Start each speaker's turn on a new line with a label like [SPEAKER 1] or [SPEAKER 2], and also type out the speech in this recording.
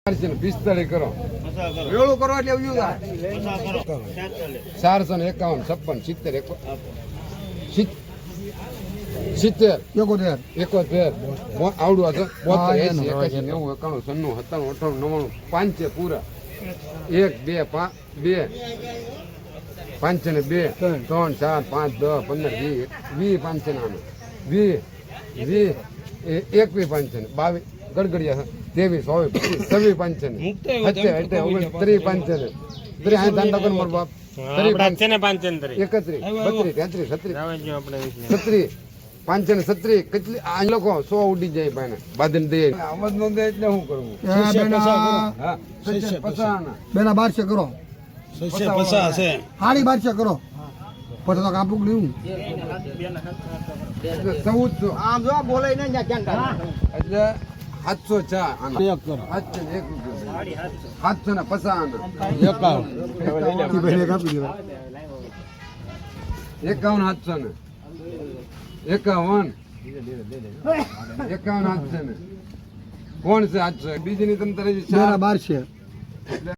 [SPEAKER 1] 45 કરો
[SPEAKER 2] વેળું કરો એટલે એવું
[SPEAKER 1] 451 56 70 71 આવડું હતું 72 80 81 90 91 97 98 99 પૂરા 1 2 5 2 5 ને 2 3 4 5 10 15 20 20 5 21 5 ગડગડિયા 23 24 25 26 25 35 કેટલી આ લોકો 100 ઉડી જાય ભાઈ બાદન દે અમદ નો દે એટલે શું કરવું
[SPEAKER 2] હા બેના 1200 કરો
[SPEAKER 3] 50 છે
[SPEAKER 2] હાડી 1200 કરો પછી તો કાપુક લેવું
[SPEAKER 1] 1400
[SPEAKER 2] આમ જો બોલે ને ક્યાં
[SPEAKER 1] એટલે 704
[SPEAKER 2] એક કરો
[SPEAKER 1] 750 ને 51 700 ને કોણ છે 800 બીજી ની તમે
[SPEAKER 2] 1200